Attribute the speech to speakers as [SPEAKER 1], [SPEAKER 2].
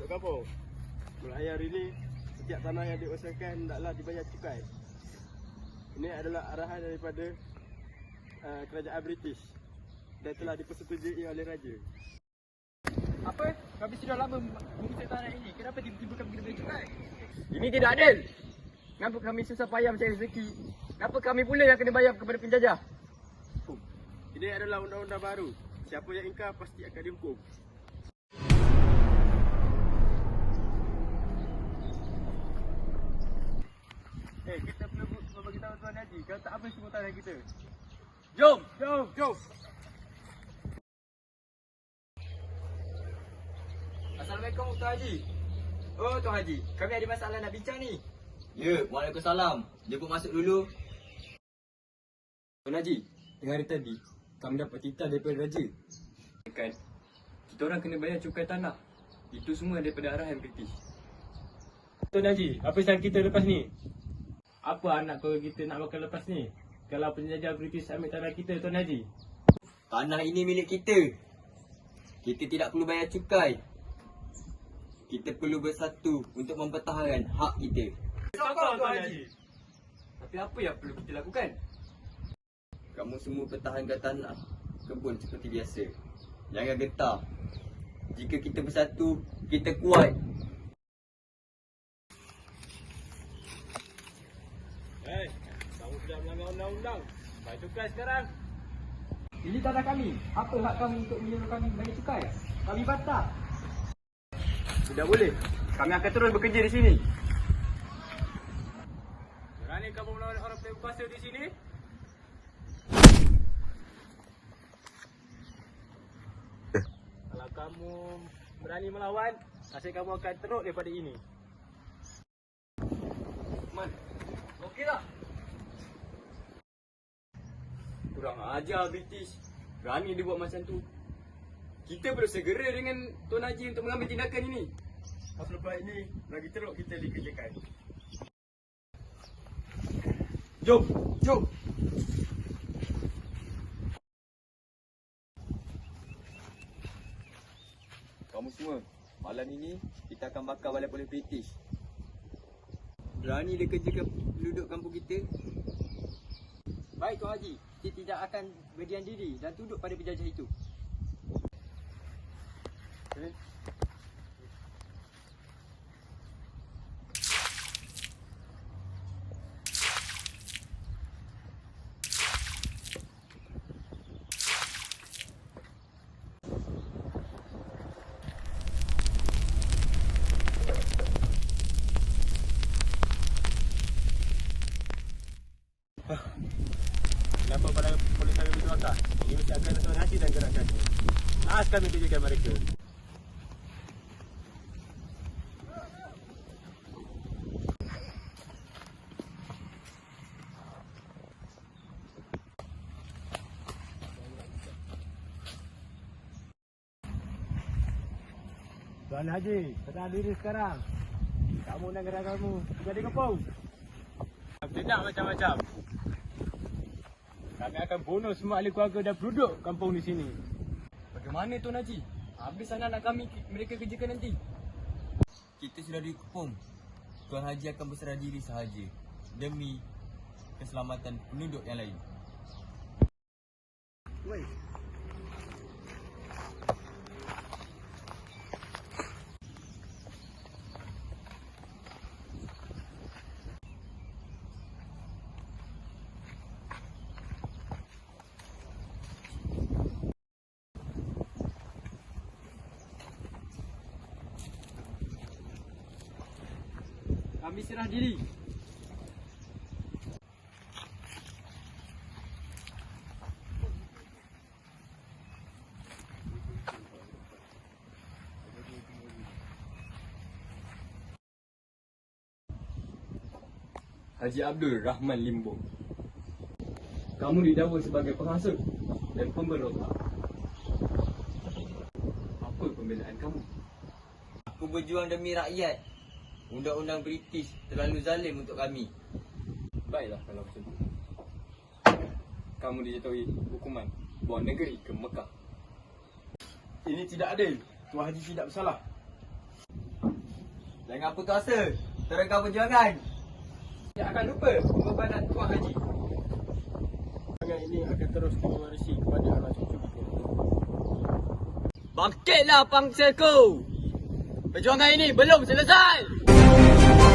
[SPEAKER 1] Penduduk kampung, mulai hari ini setiap tanah yang diusahakan hendaklah dibayar cukai. Ini adalah arahan daripada kerajaan British dan telah dipersetujui oleh Raja.
[SPEAKER 2] Apa? Kami sudah lama mengusir tanah ini. Kenapa tiba-tiba kami kena bayar cukai?
[SPEAKER 3] Ini tidak adil. Kenapa kami susah payah mencari rezeki? Kenapa kami pula yang kena bayar kepada penjajah?
[SPEAKER 1] Ini adalah undang-undang baru. Siapa yang ingkar pasti akan dihukum. Kita perlu bagi tahu Tuan Haji, kalau tak habis semua tanah kita.
[SPEAKER 3] Jom!
[SPEAKER 1] Jom!
[SPEAKER 3] Assalamualaikum Tuan Haji. Oh Tuan Haji, kami ada masalah nak bincang ni.
[SPEAKER 4] Ya, Waalaikumsalam. Jemput masuk dulu.
[SPEAKER 3] Tuan Haji, tengah hari tadi kami dapat titah daripada Raja. Kan, kita orang kena bayar cukai tanah. Itu semua daripada arahan British.
[SPEAKER 1] Tuan Haji, apa sahaja kita lepas ni?
[SPEAKER 5] Apa anak keluarga kita nak makan lepas ni? Kalau penjajah British ambil tanah kita, Tuan Haji.
[SPEAKER 4] Tanah ini milik kita. Kita tidak perlu bayar cukai. Kita perlu bersatu untuk mempertahankan hak kita.
[SPEAKER 1] Sokong Tuan Haji.
[SPEAKER 3] Tapi apa yang perlu kita lakukan?
[SPEAKER 4] Kamu semua pertahankan tanah kebun seperti biasa. Jangan getah. Jika kita bersatu, kita kuat.
[SPEAKER 1] Kamu sudah melanggar undang-undang. Bayar cukai sekarang.
[SPEAKER 2] Ini tanah kami. Apa hak kami untuk menyuruh kami bayar cukai? Kami bantah.
[SPEAKER 3] Tidak boleh. Kami akan terus bekerja di sini.
[SPEAKER 1] Berani kamu melawan orang berkuasa di sini? Kalau kamu berani melawan, nasib kamu akan teruk daripada ini.
[SPEAKER 3] Man, okey tak? Kurang ajar British. Berani dia buat macam tu. Kita perlu segera dengan Tuan Haji untuk mengambil tindakan ini.
[SPEAKER 1] Pas lepas ini, lagi teruk kita dikerjakan.
[SPEAKER 3] Jom! Jom!
[SPEAKER 4] Kamu semua, malam ini kita akan bakar balik oleh British. Berani dia kerjakan penduduk kampung kita?
[SPEAKER 2] Baik Tuan Haji. Kita tidak akan berdiam diri dan tunduk pada penjajah itu.
[SPEAKER 1] Kenapa pada polis kami begitu akal? Ini mesti akan Tuan Haji dan gerakannya. Naas kami tunjukkan mereka. Tuan Haji, tenang diri sekarang. Kamu dan gerakanmu jadi kepung. Tidak macam-macam. Kami akan bunuh semua ahli keluarga dan penduduk kampung di sini.
[SPEAKER 3] Bagaimana Tuan Haji? Habis anak-anak kami mereka kerjakan nanti.
[SPEAKER 4] Kita sudah dikepung. Tuan Haji akan berserah diri sahaja demi keselamatan penduduk yang lain.
[SPEAKER 2] Kami serah diri.
[SPEAKER 3] Haji Abdul Rahman Limbo. Kamu didakwa sebagai penghasut dan pemberontak. Apa pembelaan kamu?
[SPEAKER 4] Aku berjuang demi rakyat. Undang-undang British terlalu zalim untuk kami.
[SPEAKER 3] Baiklah kalau macam tu. Kamu dijatuhi hukuman bawa negeri ke Mekah.
[SPEAKER 1] Ini tidak adil. Tuan Haji tidak bersalah.
[SPEAKER 4] Jangan putus asa. Teruskan perjuangan.
[SPEAKER 2] Tidak akan lupa pengorbanan Tuan Haji.
[SPEAKER 1] Perjuangan ini akan terus mewarisi kepada anak cucu kita.
[SPEAKER 4] Bangkitlah bangsaku. Perjuangan ini belum selesai.